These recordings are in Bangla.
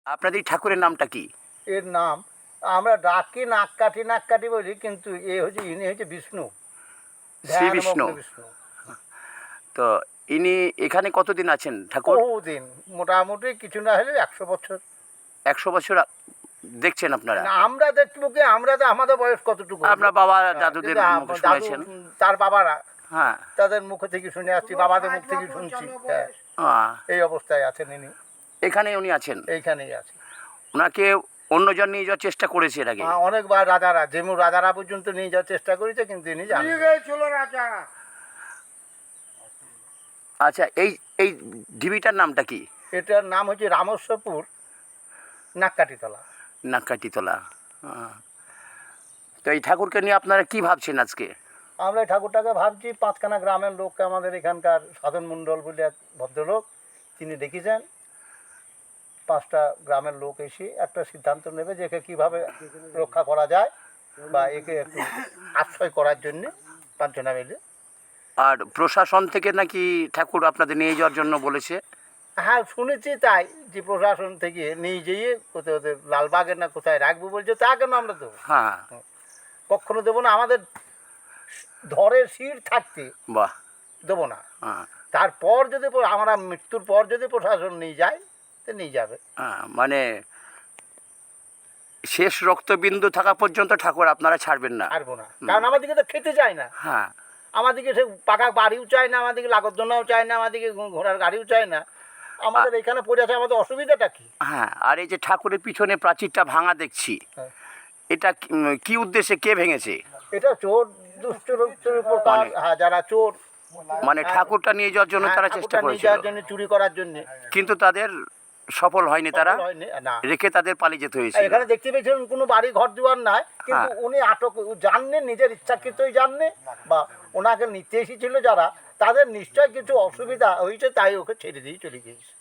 আপনাদের ঠাকুরের নামটা কি? এর নাম আমরা ডাকি নাক কাঠি বলি, কিন্তু ইনি হচ্ছে বিষ্ণু, শ্রী ধ্যানমগ্ন বিষ্ণু। বিষ্ণু। তো ইনি এখানে কতদিন আছেন ঠাকুর? বহুদিন, মোটামুটি কিছু না হলে 100 বছর। 100 বছর দেখছেন আপনারা? না, আমরা দেখবো কি, আমরা তো আমাদের বয়স কতটুকু, আপনার বাবা দাদুদের কিন্তু মুখে দাদু শুনেছেন? তার বাবারা, হ্যাঁ। তাদের মুখ থেকে শুনে আসছি, বাবাদের মুখ থেকে শুনছি। হ্যাঁ, এই অবস্থায় আছেন ইনি, এখানে উনি আছেন? এইখানেই আছে। ওনাকে অন্যজন নিয়ে যাওয়ার চেষ্টা করেছে এর আগে? অনেকবার রাজারা, যেমন রাজারা পর্যন্ত নিয়ে যাওয়ার চেষ্টা করেছে, কিন্তু ইনি জানেন। আচ্ছা, এই এই ঢিবিটার নামটা কি? এটার নাম হচ্ছে রামেশ্বরপুর নাককাঠিতলা। নাককাঠিতলা। তো এই ঠাকুরকে নিয়ে আপনারা কি ভাবছেন আজকে? আমরা এই ঠাকুরটাকে ভাবছি, 5খানা গ্রামের লোককে, আমাদের এখানকার সাধন মণ্ডল বলে এক ভদ্রলোক, তিনি দেখেছেন, 5টা গ্রামের লোক এসে একটা সিদ্ধান্ত নেবে যে একে কীভাবে রক্ষা করা যায়, বা একে একটু আশ্রয় করার জন্যে 5 জনা মিলে। আর প্রশাসন থেকে নাকি ঠাকুর আপনাদের নিয়ে যাওয়ার জন্য বলেছে? হ্যাঁ, শুনেছি তাই, যে প্রশাসন থেকে নিয়ে যেয়ে কোথায় ওদের লালবাগের না কোথায় রাখবো বলছে। তা কেন আমরা দেবো? হ্যাঁ। কখনো দেবো না। আমাদের ধরের শির থাকতে বাহ। দেবো না। হ্যাঁ। তারপর যদি আমরা মৃত্যুর পর যদি প্রশাসন নিয়ে যায়, তো নিয়ে যাবে। মানে শেষ রক্তবিন্দু থাকা পর্যন্ত ঠাকুর আপনারা ছাড়বেন না? ছাড়বো না, কারণ আমাদেরকে তো খেতে চায় না। হ্যাঁ। আমাদেরকে সে পাকা বাড়িও চায় না, আমাদেরকে লাগতজনাও চায় না, আমাদেরকে ঘোড়ার গাড়িও চায় না। আমাদের এখানে পড়ে আছে, আমাদের অসুবিধাটা কি? হ্যাঁ, আর এই যে ঠাকুরের পিছনে প্রাচীরটা ভাঙা দেখছি, হ্যাঁ। এটা কি উদ্দেশ্যে, কে ভেঙেছে? এটা চোর দুষ্টর উপর, হ্যাঁ, যারা চোর, মানে ঠাকুরটা নিয়ে যাওয়ার জন্য তারা চেষ্টা ঠাকুরটা নিয়ে করেছিল, যাওয়ার জন্য, চুরি করার জন্য, কিন্তু তাদের সফল হয়নি, তারা হয়নি। না, রেখে তাদের পালিয়ে যেতে হয়েছিল। এখানে দেখতে পেয়েছেন কোনো বাড়ি ঘর দুয়ার নাই, কিন্তু হ্যাঁ। উনি আটক জাননে, নিজের ইচ্ছাকৃতই জাননে, বা ওনাকে নিতে এসেছিল যারা, তাদের নিশ্চয় কিছু অসুবিধা হয়েছে, তাই ওকে ছেড়ে দিয়ে চলে গিয়েছে।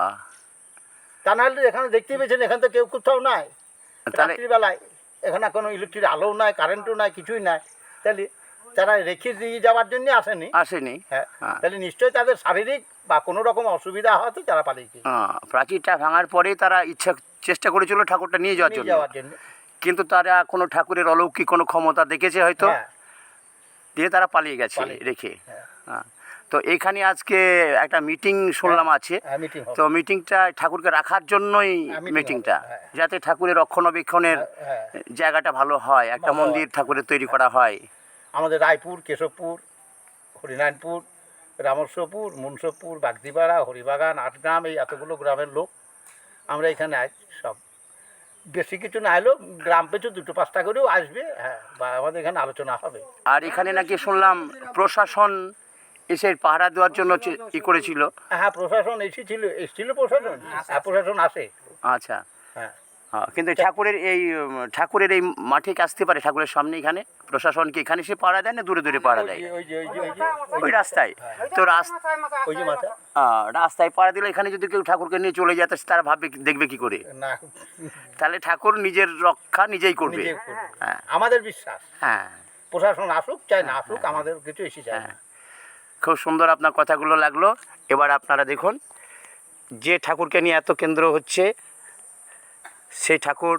তা নাহলে এখানে দেখতে পেয়েছেন, এখানে তো কেউ কোথাও নাই। তাহলে রাত্রিবেলায় এখানে কোনো ইলেকট্রিক আলোও নাই, কারেন্টও নাই, কিছুই নাই। তাহলে তারা রেখে দিয়ে যাওয়ার জন্য আসেনি। হ্যাঁ, তাহলে নিশ্চয়ই তাদের শারীরিক বা কোনো রকম অসুবিধা হওয়াতে তারা পালিয়ে গিয়েছে। প্রাচীরটা ভাঙার পরেই তারা চেষ্টা করেছিল ঠাকুরটা নিয়ে যাওয়ার জন্য, কিন্তু তারা কোনো ঠাকুরের অলৌকিক কোনো ক্ষমতা দেখেছে হয়তো, দিয়ে তারা পালিয়ে গেছে রেখে। হ্যাঁ। তো এখানে আজকে একটা মিটিং শুনলাম আছে, তো মিটিংটা ঠাকুরকে রাখার জন্যই মিটিংটা, যাতে ঠাকুরের রক্ষণাবেক্ষণের জায়গাটা ভালো হয়, একটা মন্দির ঠাকুরের তৈরি করা হয়। আমাদের রায়পুর, কেশবপুর, হরিনারায়ণপুর, রামেশ্বরপুর, মুন্সবপুর, বাগদিপাড়া, হরিবাগান, 8 গ্রাম, এই এতগুলো গ্রামের লোক আমরা এখানে সব, বেশি কিছু না এলেও গ্রাম পিছু 2-5টা করেও আসবে। হ্যাঁ, বা আমাদের এখানে আলোচনা হবে। আর এখানে নাকি শুনলাম প্রশাসন এসে পাহারা দেওয়ার জন্য করেছিল। হ্যাঁ, প্রশাসন এসেছিল প্রশাসন। হ্যাঁ, প্রশাসন আসে। আচ্ছা। হ্যাঁ, কিন্তু ঠাকুরের এই মাঠে আসতে পারে, ঠাকুরের সামনে এখানে প্রশাসন কি এখানে এসে পাহারা দেয় না দূরে দূরে পাহারা দেয়? ওই রাস্তায়। তো ওই যে মাথা, রাস্তায় পাহারা দিলে এখানে যদি কেউ ঠাকুরকে নিয়ে চলে যায়, তারা ভাববে, দেখবে কি করে? না, তাহলে ঠাকুর নিজের রক্ষা নিজেই করবে। হ্যাঁ, আমাদের বিশ্বাস। হ্যাঁ, প্রশাসন আসুক চাই না আসুক, আমাদের কিছু এসে যায় না। খুব সুন্দর আপনার কথাগুলো লাগলো। এবার আপনারা দেখুন, যে ঠাকুরকে নিয়ে এত কেন্দ্র হচ্ছে, সেই ঠাকুর,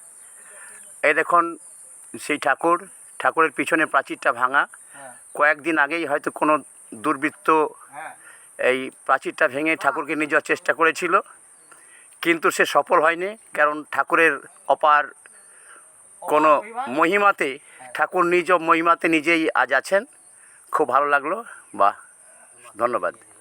এই দেখুন সেই ঠাকুরের পিছনে প্রাচীরটা ভাঙা। কয়েকদিন আগেই হয়তো কোনো দুর্বৃত্ত এই প্রাচীরটা ভেঙে ঠাকুরকে নিয়ে যাওয়ার চেষ্টা করেছিল, কিন্তু সে সফল হয়নি, কারণ ঠাকুরের অপার কোনো মহিমাতে, ঠাকুর নিজ মহিমাতে নিজেই আজ আছেন। খুব ভালো লাগলো। বাহ, ধন্যবাদ।